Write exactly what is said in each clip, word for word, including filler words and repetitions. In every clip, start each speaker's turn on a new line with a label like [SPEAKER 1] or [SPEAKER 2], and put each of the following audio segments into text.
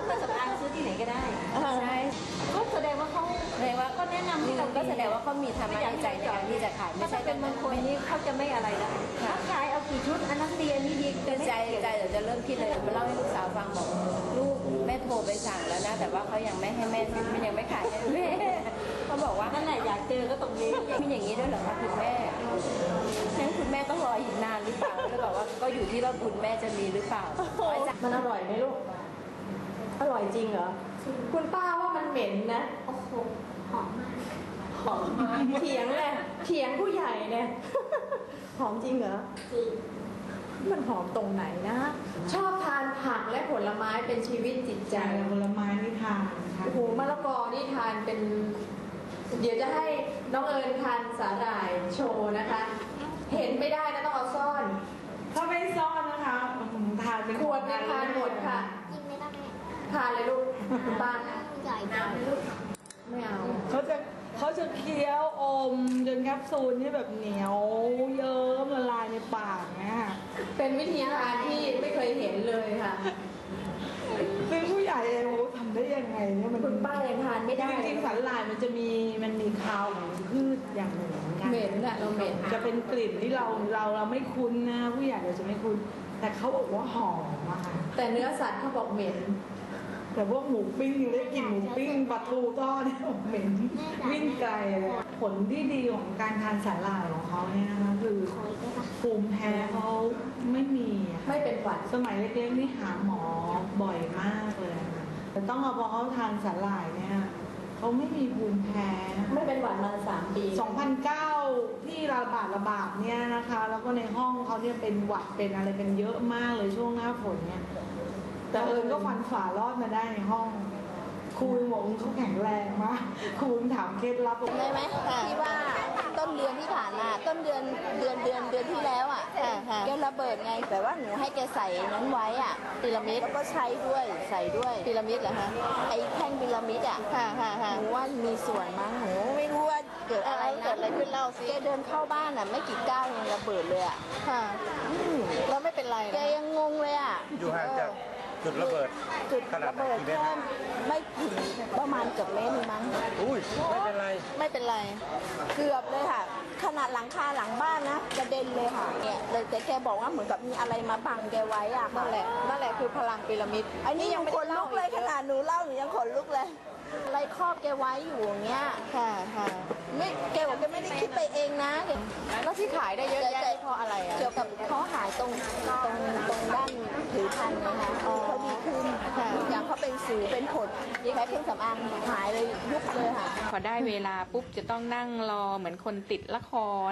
[SPEAKER 1] เครื่องสำอางซื้อที่ไหนก็ได้
[SPEAKER 2] ใช่
[SPEAKER 1] ก็แสดงว่าเขา
[SPEAKER 2] แสดงว่า
[SPEAKER 1] ก็แนะนำให้เรา
[SPEAKER 2] ก็แสดงว่าเขามีธรรมะในใจในการที่จะขายไม่ใช่
[SPEAKER 1] เป็นบางคนนี้เขาจะไม่อะไรแล้วขายเอากี่ชุดอันนั้นดีอันนี้ดี
[SPEAKER 2] ใจใจเดี๋ยวจะเริ่มคิดเลยมาเล่าให้ลูกสาวฟังบอกลูกแม่โทรไปสั่งแล้วนะแต่ว่าเขายังไม่ให้แม่ไม่ยังไม่ขายให้แม่เขาบอกว่า
[SPEAKER 1] นั่นแหละอยากเจอก็ตรงนี้
[SPEAKER 2] มีอย่างนี้ด้วยเหรอคะคุณแม่งั้นคุณแม่ต้องรออีกนานหรือเปล่าเลยบอกว่าก็อยู่ที่ว่าบุญแม่จะมีหรือเปล่า
[SPEAKER 3] มันอร่อยไหมลูกอร่อยจริงเหรอคุณป้าว่ามันเหม็นนะ
[SPEAKER 1] โอ้โหหอมมาก
[SPEAKER 3] หอมมากเถียงเลยเถียงผู้ใหญ่เนี่ยหอมจริงเหรอจริงมันหอมตรงไหนนะชอบทานผักและผลไม้เป็นชีวิตจิตใจ
[SPEAKER 4] ผลไม้นี่ทาน
[SPEAKER 3] โอ้โหมะละกอนี่ทานเป็นเดี๋ยวจะให้น้องเอิญทานสาหร่ายโชว์นะคะเห็นไม่ได้นะต้องเอาซ่อน
[SPEAKER 4] ถ้าไม่ซ่อนนะคะทานเป็น
[SPEAKER 3] ขวดเนี่ยทานหมดค่ะ
[SPEAKER 1] กินไม่ได้
[SPEAKER 3] ทานเลยลูกบ้าน
[SPEAKER 1] ใหญ่น้ำลูก
[SPEAKER 3] ไม่เอา
[SPEAKER 4] เขาจะเขาจะเคี้ยวอมจนแคปซูลที่แบบเหนียวเยิ้มละลายในปากเนี่ย
[SPEAKER 3] เป็นวิธีทานที่ไม่เคยเห็นเลยค่ะ
[SPEAKER 4] ซึ่งผู้ใหญ่เองทำได้ยังไงเนี่ยมัน
[SPEAKER 3] คุณป้ายังทานไม่ได้
[SPEAKER 4] จริงๆสาหร่ายมันจะมีมันมีคาวของพืชอย่างหนึ่ง
[SPEAKER 3] เหม็นอะเราเหม็น
[SPEAKER 4] จะเป็นกลิ่นที่เราเราเราไม่คุ้นนะผู้ใหญ่เราจะไม่คุ้นแต่เขาบอกว่าหอมอะค่ะ
[SPEAKER 3] แต่เนื้อสัตว์เขาบอกเหม็น
[SPEAKER 4] แต่พวกหมูปิ้งยังได้กินหมูปิ้งปลาทูทอดเนี่ยเหม็นวิ่งไกลเลยผลที่ดีของการทานสาหร่ายของเขาเนี่ยนะคะคือภูมิแพ้เขาไม่มี
[SPEAKER 3] ไม่เป็นหวัด
[SPEAKER 4] สมัยเล็กๆนี่หาหมอบ่อยมากเลยแต่ต้องเอาพอเขาทานสาหร่ายเนี่ยเขาไม่มีภูมิแพ้
[SPEAKER 3] ไม่เป็นหวัดมาสามปี
[SPEAKER 4] สองพันเก้าที่ระบาดระบาดเนี่ยนะคะแล้วก็ในห้องเขาเนี่ยเป็นหวัดเป็นอะไรกันเยอะมากเลยช่วงหน้าฝนเนี่ยแต่เอิญก็ฟันฝ่ารอดมาได้ในห้องครูบอกเขาแข็งแรงมากครูถามเคล็ดลับ
[SPEAKER 2] ได้ไหมที่ว่าต้นเดือนที่ผ่านมาต้นเดือนเดือนเดือนเดือนที่แล้วอ่ะแกระเบิดไงแต่ว่าหนูให้แกใส่นั้นไว้อ่ะพีระมิดแล้วก็ใช้ด้วยใส่ด้วยพีระมิดเหรอฮะไอ้แท่งพีระมิดอ่ะหนูว่ามีส่วนมั้งหนูไม่รู้ว่าเกิดอะไรเกิดอะไรขึ้นเล่าสิแกเดินเข้าบ้านอ่ะไม่กี่ก้าวยังระเบิดเลยอ่ะ
[SPEAKER 3] แล้วไม่เป็นไร
[SPEAKER 2] แกยังงงเลยอ่ะ
[SPEAKER 5] อยู่ห่างจากจุดระเบิด
[SPEAKER 2] จุดระเบิดแค่ไม่ถึงประมาณเกือบเมตรมั้ง
[SPEAKER 5] อุ้ยไม่เป็นไร
[SPEAKER 2] ไม่เป็นไรเกือบเลยค่ะขนาดหลังคาหลังบ้านนะกระเด็นเลยค่ะเนี่ยเลยแต่แกบอกว่าเหมือนกับมีอะไรมาบังแกไว้อ่ะ
[SPEAKER 3] นั่นแหละนั่นแหละคือพลังพีระมิด
[SPEAKER 2] อันนี้ยังขนลุกเลยขนาดหนูเล่าหนูยังขนลุกเลยอะไรครอบแกไว้อยู่อย่างเงี้ย
[SPEAKER 3] ค่ะค่ะ
[SPEAKER 2] ไม่แกบอกแกไม่ได้คิดไปเองนะ
[SPEAKER 3] แล้วที่ขายได้เยอะแยะเพราะอะไรอ่ะ
[SPEAKER 2] เกี่ยวกับเขาหายตรงตรงตรงด้านผิวพรรณนะคะเขาดีขึ้นอย่างเขาเป็นสิวเป็นผดแค่เครื่องสำอางหายเลยยุบเลยค่ะ
[SPEAKER 6] พอได้เวลาปุ๊บจะต้องนั่งรอเหมือนคนติดละคร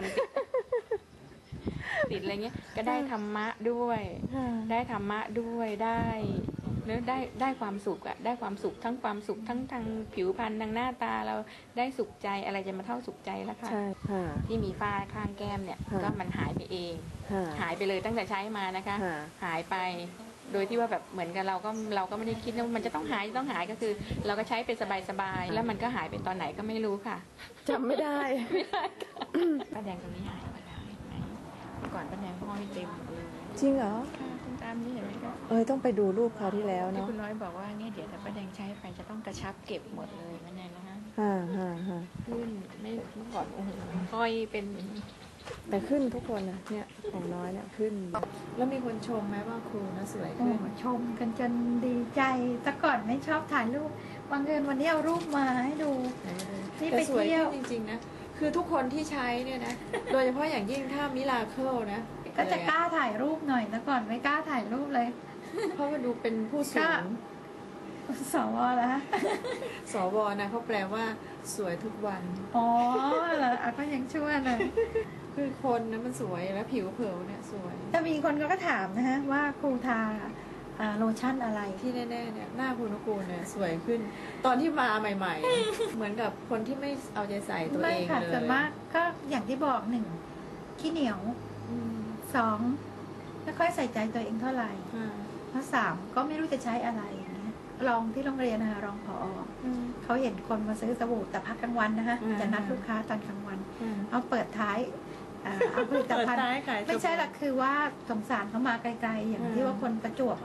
[SPEAKER 6] ติดอะไรเงี้ยก็ได้ธรรมะด้วยได้ธรรมะด้วยได้เนื้อได้ได้ความสุขอะได้ความสุขทั้งความสุขทั้งทางผิวพรรณทางหน้าตาเราได้สุขใจอะไรจะมาเท่าสุขใจแล้วค่ะที่มีฝ้าข้างแก้มเนี่ยก็มันหายไปเองหายไปเลยตั้งแต่ใช้มานะคะหายไปโดยที่ว่าแบบเหมือนกับเราก็เราก็ไม่ได้คิดว่ามันจะต้องหายต้องหายก็คือ เราก็ใช้เป็นสบายๆแล้วมันก็หายไปตอนไหนก็ไม่รู้ค่ะ
[SPEAKER 3] จำไม่ได้
[SPEAKER 6] ไม่ได้ป้าแดงตรงนี้หายไปแล้วเห็นไหมก่อนป้าแดงห้อยเต็มเลย
[SPEAKER 3] จริงเหรอ
[SPEAKER 6] ตามนี้เห็นไหมคะ
[SPEAKER 3] เออต้องไปดูรูปเขาที่แล้วเนาะ
[SPEAKER 6] คุณน้อยบอกว่าเนี่ยเดี๋ยวถ้าป้าแดงใช้ไปจะต้องกระชับเก็บหมดเลยมันไงนะคะ
[SPEAKER 3] ฮ่าฮ่าฮ่า
[SPEAKER 6] ขึ้นไม่ก่อนโอ้โหห้อยเป็น
[SPEAKER 3] แต่ขึ้นทุกคนนะเนี่ยของน้อยเนี่ยขึ้นแล้วมีคนชมไหมว่าครูนะสวยขึ้น
[SPEAKER 7] ชมกันจนดีใจแต่ก่อนไม่ชอบถ่ายรูปบางเอิญวันนี้เอารูปมาให้ดู
[SPEAKER 3] นี่ไปเที่ยวจริงๆนะคือทุกคนที่ใช้เนี่ยนะโดยเฉพาะอย่างยิ่งถ้ามิราเคิลนะ
[SPEAKER 7] ก็จะกล้าถ่ายรูปหน่อยแต่ก่อนไม่กล้าถ่ายรูปเลย
[SPEAKER 3] เพราะว่าดูเป็นผู้สูง
[SPEAKER 7] สวแล้ว
[SPEAKER 3] สวนะเขาแปลว่าสวยทุกวัน
[SPEAKER 7] อ๋อเหรอก็ยังชั่วเลย
[SPEAKER 3] คือคนนะมันสวยแล้วผิวเผิวเนี่ยสวย
[SPEAKER 7] แต่มีคนก็ถามนะฮะว่าครูทาโลชั่นอะไร
[SPEAKER 3] ที่แน่ๆเนี่ยหน้าคุณนุกูลเนี่ยสวยขึ้นตอนที่มาใหม่ๆเหมือนกับคนที่ไม่เอาใจใส่ตัวเองเลยไม่ค่ะ
[SPEAKER 7] ส่วนมากก็อย่างที่บอกหนึ่งขี้เหนียวสองไม่ค่อยใส่ใจตัวเองเท่าไหร่ข้อสามก็ไม่รู้จะใช้อะไรอย่างเงี้ยลองที่โรงเรียนนะคะรองผอเขาเห็นคนมาซื้อสบู่แต่พักกลางวันนะคะจะนัดลูกค้าตอนกลางวันเอาเปิดท้ายเอาผลิตภัณฑ์ไม่ใช่หรอกคือว่าสงสารเขามาไกลๆอย่างที่ว่าคนประจวบอ่ะ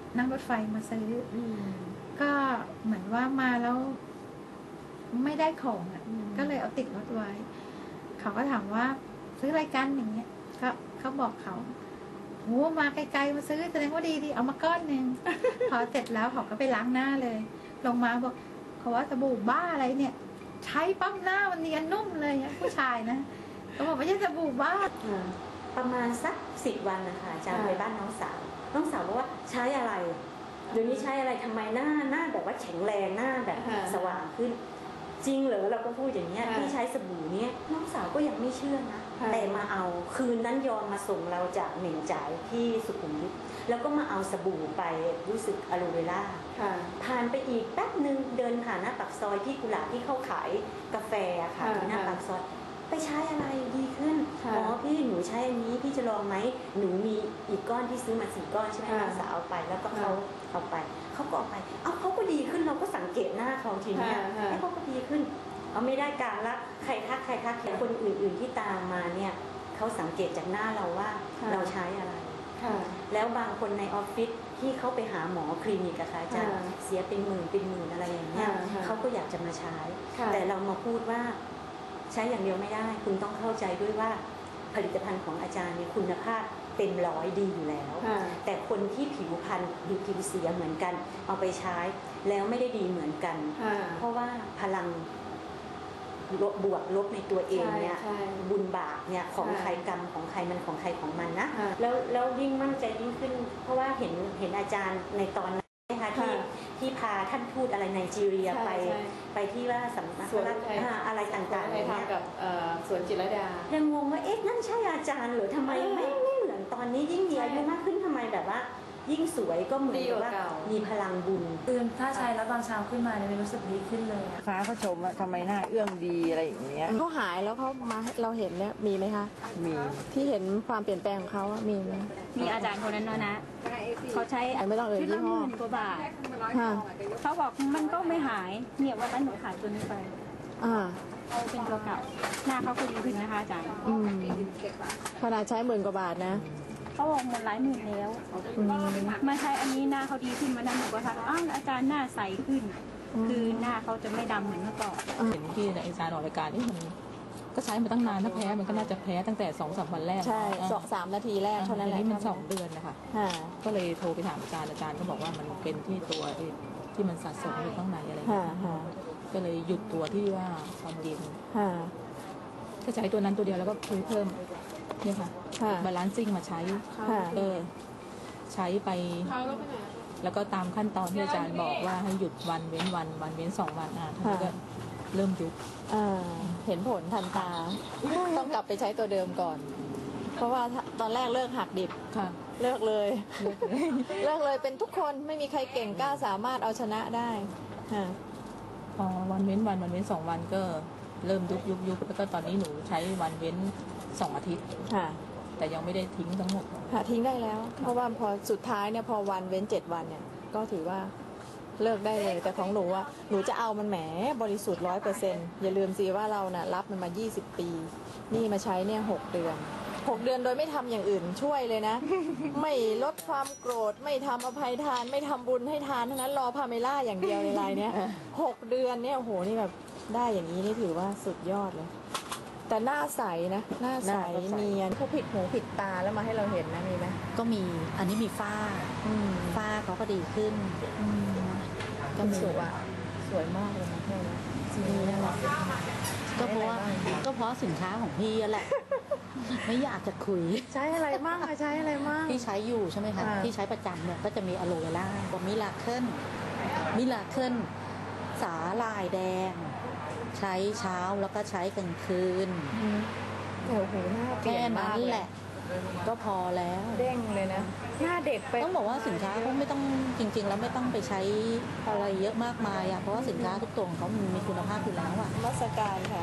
[SPEAKER 7] นั่งรถไฟมาซื้ออก็เหมือนว่ามาแล้วไม่ได้ของอ่ะก็เลยเอาติดรถไว้ เขาก็ถามว่าซื้ออะไรกันอย่างเงี้ยก็เขาบอกเขาโหมาไกลๆมาซื้อแสดงว่าดีดีเอามาก้อนหนึ่ง พอเสร็จแล้วเขาก็ไปล้างหน้าเลย ลงมาบอกเขาว่าสบู่บ้าอะไรเนี่ย ใช้ปั๊มหน้ามันเนียนนุ่มเลยอะผู้ชายนะเขาบอกไม่ใช่สบู่บ้า
[SPEAKER 1] ประมาณสักสิบวันนะคะอาจารย์ไปบ้านน้องสาวน้องสาวบอกว่าใช้อะไรเดี๋ยวนี้ใช้อะไรทำไมหน้าหน้าแบบว่าแข็งแรงหน้าแบบสว่างขึ้น จริงเหรอเราก็พูดอย่างเงี้ยพี่ใช้สบู่เนี้ยน้องสาวก็ยังไม่เชื่อนะแต่มาเอาคืนนั้นยอมมาส่งเราจากเหม่งจ่ายที่สุขุมวิทแล้วก็มาเอาสบู่ไปรู้สึกอะโลเวล่าผ่านไปอีกแป๊บนึงเดินผ่านหน้าปากซอยที่กุหลาบที่เขาขายกาแฟค่ะที่หน้าปากซอยไปใช้อะไรดีขึ้นอ๋อพี่หนูใช้อันนี้พี่จะลองไหมหนูมีอีกก้อนที่ซื้อมาสี่ก้อนใช่ไหมน้องสาวเอาไปแล้วก็เขาเอาไปเขาก็เอาไปเอาเขาก็ดีขึ้นเราก็สังเกตหน้าเขาทีเนี้ยให้เขาก็ดีขึ้นเอาไม่ได้การละใครทักใครทักแต่คนอื่นๆที่ตามมาเนี่ยเขาสังเกตจากหน้าเราว่าเราใช้อะไรแล้วบางคนในออฟฟิศที่เขาไปหาหมอคลินิกอะค่ะอาจารย์เสียเป็นหมื่นเป็นหมื่นอะไรอย่างเงี้ยเขาก็อยากจะมาใช้แต่เรามาพูดว่าใช้อย่างเดียวไม่ได้คุณต้องเข้าใจด้วยว่าผลิตภัณฑ์ของอาจารย์มีคุณภาพเต็มร้อยดีอยู่แล้วแต่คนที่ผิวพรรณผิวผิวเสียเหมือนกันเอาไปใช้แล้วไม่ได้ดีเหมือนกันเพราะว่าพลังลบบวกลบในตัวเองเนี่ยบุญบาปเนี่ยของใครกรรมของใครมันของใครของมันนะแล้วแล้วยิ่งมั่นใจยิ่งขึ้นเพราะว่าเห็นเห็นอาจารย์ในตอนนั้นนะคะที่ที่พาท่านทูตอะไรไนจีเรียไปไปที่ว่าสำนักอะไรต่างๆเนี่ย
[SPEAKER 3] กับสวนจิตรลดา
[SPEAKER 1] ยังงงว่าเอ๊ะนั่นใช่อาจารย์หรือทำไมไม่ไม่เหมือนตอนนี้ยิ่งมีอายุมากขึ้นทำไมแบบว่ายิ่งสวยก็เหมือนว่ามีพลังบุญ
[SPEAKER 8] ตื่นถ้าใช้แล้วตอนเช้าขึ้นมาเนี่ยรู้สึกดีขึ้นเลย
[SPEAKER 9] ฟ้าเขาชมว่าทำไมหน้าเอื้องดีอะไรอย่างเงี้ย
[SPEAKER 2] เขาหายแล้วเขามาเราเห็นเนี่ยมีไหมคะ
[SPEAKER 9] มี
[SPEAKER 2] ที่เห็นความเปลี่ยนแปลงของเขาอะมีไหม
[SPEAKER 6] มีอาจารย์คนนั้นนะนะเขาใช้
[SPEAKER 2] ไม่ต้องเอ่ยยี่ห้อก
[SPEAKER 6] ว่าบาทเขาบอกมันก็ไม่หายเนี่ยวันนั้นหนูขายตัวนี้ไป
[SPEAKER 2] อ่า
[SPEAKER 6] เอาเป็นตัวเก่าหน้าเขาก็ดีขึ้นนะคะอาจารย์
[SPEAKER 2] อืมขนาดใช้หมื่นกว่าบาทนะ
[SPEAKER 6] เขาบอกหมดหลายหมื่นแล้วมาใช้อันนี้หน้าเขาดีขึ้นมาดันหนูก็ทักอ้าวอาจารย์หน้าใสขึ้นคือหน้าเขาจะไม่ดำเหมือนเมื่อก่อน
[SPEAKER 10] เห็นที่ในอาจารย์ออกรายการนี่มันก็ใช้มาตั้งนานถ้าแพ้มันก็น่าจะแพ้ตั้งแต่สองสามวันแรก
[SPEAKER 2] ใช่สองสามนาทีแรกเท่านั้นแหละ
[SPEAKER 10] นี่มันสองเดือนนะคะก็เลยโทรไปถามอาจารย์อาจารย์ก็บอกว่ามันเป็นที่ตัวที่มันสะสมอยู่ข้างในอะไรอย่างเงี้ยก็เลยหยุดตัวที่ว่าความเย็นก็ใช้ตัวนั้นตัวเดียวแล้วก็ซื้อเพิ่มเนี่ยค่ะบาลานซิ่งมาใช้เออใช้ไปแล้วก็ตามขั้นตอนที่อาจารย์บอกว่าให้หยุดวันเว้นวันวันเว้นสองวันอ่ะท่านก็เริ่มยุบ
[SPEAKER 2] เห็นผลทันตาต้องกลับไปใช้ตัวเดิมก่อนเพราะว่าตอนแรกเลิกหักดิบเลิกเลยเลิกเลยเป็นทุกคนไม่มีใครเก่งกล้าสามารถเอาชนะได้
[SPEAKER 10] พอวันเว้นวันวันเว้นสองวันก็เริ่มยุบยุบยุบแล้วก็ตอนนี้หนูใช้วันเว้นสองอาทิตย์แต่ยังไม่ได้ทิ้งทั้งหมด
[SPEAKER 2] ค่ะทิ้งได้แล้วเพราะว่าพอสุดท้ายเนี่ยพอวันเว้นเจ็ดวันเนี่ยก็ถือว่าเลิกได้เลยแต่ของหนูอ่ะหนูจะเอามันแหมบริสุทธิ์ร้อยเปอร์เซ็นต์อย่าลืมสิว่าเราน่ะรับมันมายี่สิบปีนี่มาใช้เนี่ยหกเดือนหกเดือนโดยไม่ทำอย่างอื่นช่วยเลยนะ ไม่ลดความโกรธไม่ทำอภัยทานไม่ทำบุญให้ทานทั้งนั้นรอพาเมล่าอย่างเดียวในรายเนี้ยหกเดือนเนี่ยโอ้โหนี่แบบได้อย่างนี้นี่ถือว่าสุดยอดเลยแต่หน้าใสนะหน้าใสเนียนเขาผิดหูผิดตาแล้วมาให้เราเห็นนะมีไหม
[SPEAKER 8] ก็มีอันนี้มีฝ้าฝ้าเขาก็ดีขึ้น
[SPEAKER 2] ก็สวยอ่ะสวยมากเลยนะเพื่อนสีนี้น่ารัก
[SPEAKER 8] ก็เพราะว่าก็เพราะสินค้าของพี่แหละไม่อยากจะคุย
[SPEAKER 2] ใช้อะไรมั่งใช้อะไรมั่ง
[SPEAKER 8] พี่ใช้อยู่ใช่ไหมคะพี่ใช้ประจำเนี่ยก็จะมีอะโลเวล่ากับมิลาเคิลมิลาเคิลสาลายแดงใช้เช้าแล้วก็ใช้กลางคืน
[SPEAKER 2] โอ้โหหน้า
[SPEAKER 8] แค่นั้นแหละก็พอแล้ว
[SPEAKER 2] เด้งเลยนะหน้าเด็กไป
[SPEAKER 8] ต้องบอกว่าสินค้าเขาไม่ต้องจริงๆแล้วไม่ต้องไปใช้อะไรเยอะมากมายอ่ะเพราะว่าสินค้าทุกตัวของเขามันมีคุณภาพอยู่แล้วอ่ะ
[SPEAKER 2] มัสการค่ะ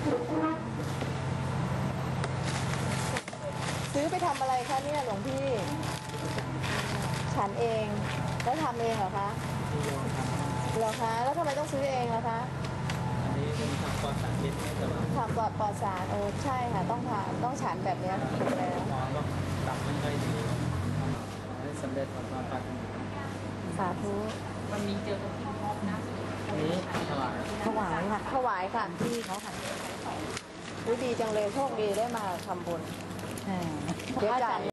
[SPEAKER 2] ซื้อไปทำอะไรคะเนี่ยหลวงพี่ฉันเองแล้วทำเองเหรอคะเหรอคะแล้วทำไมต้องซื้อเองล่ะคะ
[SPEAKER 11] ปลอดสารพิษ
[SPEAKER 2] ทำปลอดปลอดสารโอ้ใช่ค่ะต้องทานต้องฉันแบบนี้ถูกแล้ว
[SPEAKER 11] หมอก็ตับไม่ค่อยดีให้สำเร็จความปรารถนา
[SPEAKER 2] สาธุ
[SPEAKER 10] มันมีเจอกับที่พบนะ
[SPEAKER 11] นี้ถวาย
[SPEAKER 8] ถวายค่ะ
[SPEAKER 2] ถวายค่ะ
[SPEAKER 8] ที่เขาค่ะ
[SPEAKER 2] อุ๊ยดีจังเลยโชคดีได้มาทำบุญ
[SPEAKER 8] อ่า
[SPEAKER 2] เดี๋ยวจ่าย